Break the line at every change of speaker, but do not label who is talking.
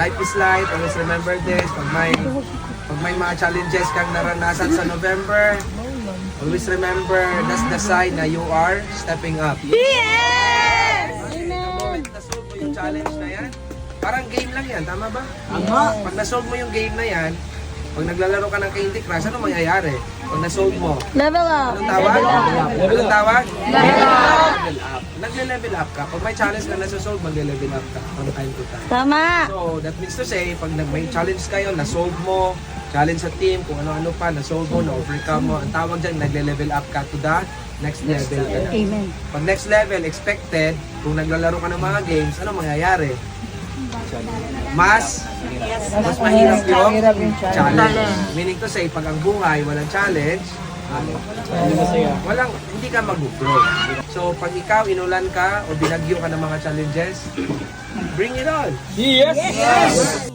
life is life. Always remember this. Pag may mga challenges kang naranasan sa November, always remember, that's the sign na you are stepping up.
Yes!
The moment na-solve mo yung challenge na yan, parang game lang yan, tama ba?
Tama.
Pag na-solve mo yung game na yan, pag naglalaro ka ng Candy Crush, ano mangyayari? Pag na-solve mo,
Level up.
anong tawag? Anong tawag?
Level up.
Level up. Nagle-level up ka. Pag may challenge na nasa-solve, magle-level up ka from time to time.
Tama.
So, that means to say, pag may challenge kayo, na-solve mo, challenge sa team, kung ano-ano pa, na-solve mo, na-overcome mo, ang tawag dyan, nagle-level up ka to the next level ka na.
Amen.
Pag next level, expected, kung naglalaro ka ng mga games, ano mangyayari? Mas mahirap yung challenge. Meaning to say, pag ang buhay walang challenge, hindi ka mag-grow. So, pag ikaw inulan ka o binagyo ka ng mga challenges, bring it on!
Yes!